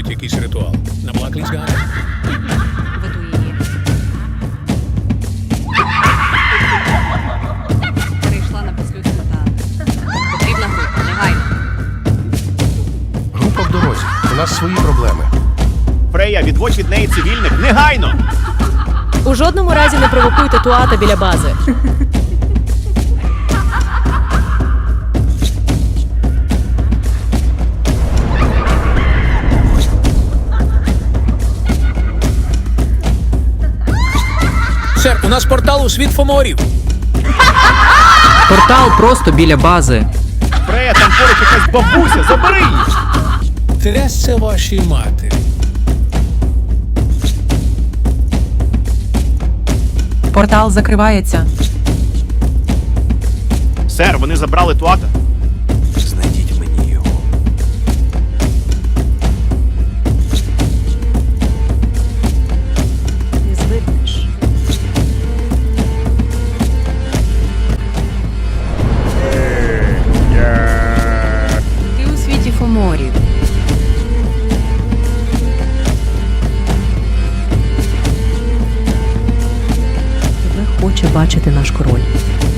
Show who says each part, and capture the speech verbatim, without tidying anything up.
Speaker 1: проводить якийсь ритуал. Наплакались Галя?
Speaker 2: Веду її. Прийшла на петлю сметани. Потрібна група, негайно.
Speaker 3: Група в дорозі. У нас свої проблеми.
Speaker 4: Фрея, відводь від неї цивільних негайно!
Speaker 5: У жодному разі не провокуйте Туата біля бази.
Speaker 1: Сер, у нас портал у світ Фоморів.
Speaker 6: Портал просто біля бази.
Speaker 4: Фрея, там поруч якась бабуся, забери її!
Speaker 1: Трясся вашій матері.
Speaker 7: Портал закривається.
Speaker 4: Сер, вони забрали Туата.
Speaker 3: Знайдіть мені його.
Speaker 5: Не звикнеш.
Speaker 2: Ти у світі Фоморів.
Speaker 7: Тебе хоче бачити наш король.